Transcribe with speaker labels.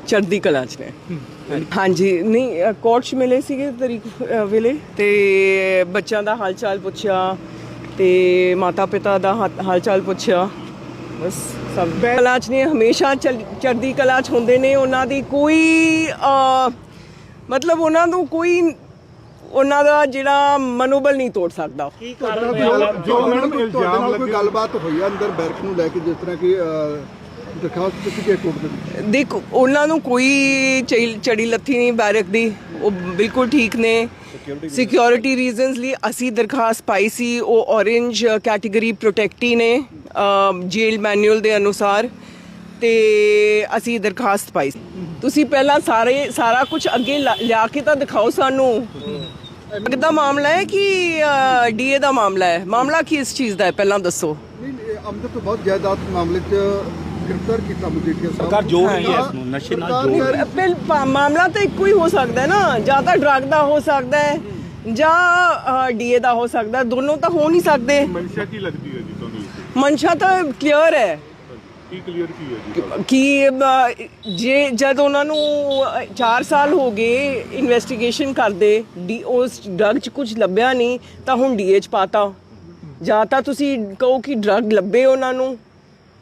Speaker 1: ਚੜ੍ਹਦੀ ਕਲਾ 'ਚ ਨੇ। ਹਾਂਜੀ, ਨਹੀਂ ਕੋਰਟ 'ਚ ਮਿਲੇ ਸੀਗੇ ਤਰੀਕ ਵੇਲੇ, ਤੇ ਬੱਚਿਆਂ ਦਾ ਹਾਲ ਚਾਲ ਪੁੱਛਿਆ ਤੇ ਮਾਤਾ ਪਿਤਾ ਦਾ ਹਾਲ ਚਾਲ ਪੁੱਛਿਆ। ਬਸ ਸਭ ਕਲਾ 'ਚ ਨੇ, ਹਮੇਸ਼ਾ ਚੜ੍ਹਦੀ ਕਲਾ 'ਚ ਹੁੰਦੇ ਨੇ। ਉਹਨਾਂ ਦੀ ਕੋਈ ਮਤਲਬ ਉਹਨਾਂ ਨੂੰ ਕੋਈ ਉਹਨਾਂ ਦਾ ਜਿਹੜਾ ਮਨੋਬਲ ਨਹੀਂ ਤੋੜ ਸਕਦਾ।
Speaker 2: ਜੋ ਮੈਡਮ ਇਲਜ਼ਾਮ ਕੋਈ ਗੱਲਬਾਤ ਹੋਈ ਆ ਅੰਦਰ ਬੈਰਕ ਨੂੰ ਲੈ ਕੇ, ਜਿਸ ਤਰ੍ਹਾਂ ਕਿ ਦਰਖਾਸਤ ਦਿੱਤੀ ਗਈ ਕੋਰਟ ਦੇ ਵਿੱਚ?
Speaker 1: ਦੇਖੋ, ਉਹਨਾਂ ਨੂੰ ਕੋਈ ਚੜੀ ਲੱਥੀ ਨਹੀਂ ਬੈਰਕ ਦੀ, ਉਹ ਬਿਲਕੁਲ ਠੀਕ ਨੇ। ਸਿਕਿਉਰਿਟੀ ਰੀਜ਼ਨਸ ਲਈ ਅਸੀਂ ਦਰਖਾਸਤ ਪਾਈ ਸੀ, ਉਹ ਔਰੇਂਜ ਕੈਟੇਗਰੀ ਪ੍ਰੋਟੈਕਟੀ ਨੇ ਜੇਲ ਮੈਨੂਅਲ ਦੇ ਅਨੁਸਾਰ, ਤੇ ਅਸੀਂ ਦਰਖਾਸਤ ਪਾਈ ਸੀ। ਤੁਸੀਂ ਪਹਿਲਾਂ ਸਾਰਾ ਕੁਝ ਅੱਗੇ ਲਿਆ ਕੇ ਤਾਂ ਦਿਖਾਓ ਸਾਨੂੰ। ਕਿੱਦਾਂ ਮਾਮਲਾ ਹੈ ਕਿ ਡੀਏ ਦਾ ਮਾਮਲਾ ਹੈ? ਮਾਮਲਾ ਕੀ ਇਸ ਚੀਜ਼ ਦਾ ਹੈ ਪਹਿਲਾਂ ਦੱਸੋ।
Speaker 2: ਆਮਦਨ ਤੋਂ ਬਹੁਤ ਜਾਇਦਾਦ ਮਾਮਲੇ 'ਚ ਗ੍ਰਿਫਤਾਰ ਕੀਤਾ ਮਜੀਠੀਆ ਸਾਹਿਬ।
Speaker 3: ਸਰਕਾਰ ਜੋੜ ਰਹੀ ਹੈ ਇਸ ਨੂੰ, ਨਸ਼ੇ ਨਾਲ ਜੋੜ ਰਹੀ ਹੈ।
Speaker 1: ਮਾਮਲਾ ਤਾਂ ਇੱਕੋ ਹੀ ਹੋ ਸਕਦਾ ਹੈ ਨਾ, ਜਾਂ ਤਾਂ ਡਰੱਗ ਦਾ ਹੋ ਸਕਦਾ ਹੈ ਜਾਂ ਡੀਏ ਦਾ ਹੋ ਸਕਦਾ, ਦੋਨੋਂ ਤਾਂ ਹੋ ਨਹੀਂ ਸਕਦੇ।
Speaker 4: ਮਨਸ਼ਾ ਕੀ ਲੱਗਦੀ ਹੈ ਜੀ ਤੁਹਾਨੂੰ?
Speaker 1: ਮਨਸ਼ਾ ਤਾਂ ਕਲੀਅਰ ਹੈ।
Speaker 4: ਕੀ ਕਲੀਅਰ ਕੀ ਹੈ ਜੀ?
Speaker 1: ਕਿ ਜੇ ਜਦ ਉਹਨਾਂ ਨੂੰ 4 ਸਾਲ ਹੋ ਗਏ ਇਨਵੈਸਟੀਗੇਸ਼ਨ ਕਰਦੇ, ਉਸ ਡਰੱਗ 'ਚ ਕੁਝ ਲੱਭਿਆ ਨਹੀਂ ਤਾਂ ਹੁਣ ਡੀਏ 'ਚ ਪਾਤਾ। ਜਾਂ ਤਾਂ ਤੁਸੀਂ ਕਹੋ ਕਿ ਡਰੱਗ ਲੱਭੇ ਉਹਨਾਂ ਨੂੰ,